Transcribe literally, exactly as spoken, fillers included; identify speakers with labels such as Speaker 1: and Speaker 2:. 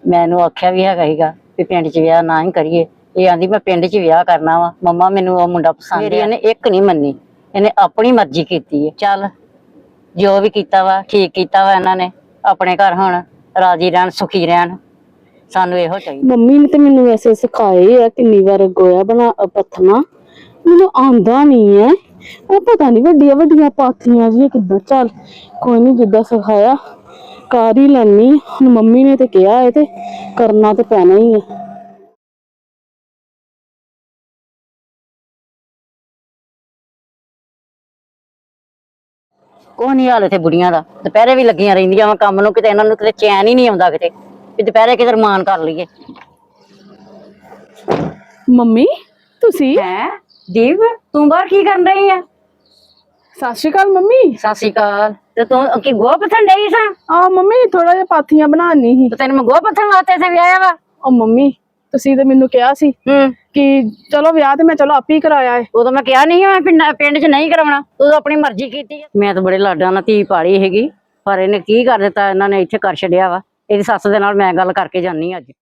Speaker 1: मैं इहनूं आख्या भी हैगा हीगा भी पिंड च विआह ना ही करिए। ये आंदी मैं पिंड च विआह करना वा, मम्मा मैनूं ओह मुंडा पसंद है। इहने एक नहीं मन्नी, इहने अपनी मर्जी कीती है। चल जो भी कीता वा ठीक कीता वा, इन्हां ने अपने घर हुण राजी रहन सुखी रहन, सानूं इहो चाहिए।
Speaker 2: मम्मी ने तो मैनूं वैसे सिखाए है किन्नी बार गोया बना पत्थना, मैनूं आंदा नहीं है। ਉਹ पता नहीं ਵੱਡੀਆਂ ਵੱਡੀਆਂ ਪਾਥੀਆਂ ਜੀ ਕਿੱਦਾਂ। ਚੱਲ ਕੋਈ नहीं, ਜਿੱਦਾਂ ਸਿਖਾਇਆ ਕਰ ਹੀ ਲੈਣੀ। ਹੁਣ ਮੰਮੀ ਨੇ ਤੇ ਕਿਹਾ ਹੈ ਤੇ ਕਰਨਾ ਤੇ ਪੈਣਾ ਹੀ ਹੈ।
Speaker 1: कोई नहीं हाल इत्थे बुढ़ियां दा, दुपहरे भी लगियां रहिंदियां वा काम नूं, किते इन्हां नूं किते चैन ही नहीं आउंदा किते भी दुपहरे किते रमान कर लईए।
Speaker 2: ਮੰਮੀ ਤੁਸੀਂ
Speaker 1: है दीप तू बाहर की कर रही है?
Speaker 2: ਸਤਿ ਸ਼੍ਰੀ ਅਕਾਲ ਮੰਮੀ।
Speaker 1: सत श्री अकाल। ते तू की गोहा पत्थन डई सा?
Speaker 2: ਆ ਮੰਮੀ ਥੋੜਾ ਜਿਹਾ ਪਾਥੀਆਂ ਬਣਾਉਣੀ ਸੀ।
Speaker 1: ते तैनूं मैं गोहा पत्थन वास्ते इत्थे विआया वा?
Speaker 2: ਉਹ ਮੰਮੀ ਤੁਸੀਂ ਤੇ ਮੈਨੂੰ ਕਿਹਾ ਸੀ
Speaker 1: हूं
Speaker 2: ਕਿ ਚਲੋ ਵਿਆਹ ਤੇ ਮੈਂ ਚਲੋ ਆਪੇ ਹੀ ਕਰਾਇਆ ਹੈ।
Speaker 1: उदों मैं कहा नहीं मैं पिंड पिंड च नहीं करवाना, तू अपनी मर्जी कीती है। मैं तो बड़े लाडां नाल धी पाली हैगी, पर इहने की कर दित्ता, इन्हां ने इत्थे कर छड्डिया वा। इहदी सੱਸ दे नाल मैं गल करके जानी अज।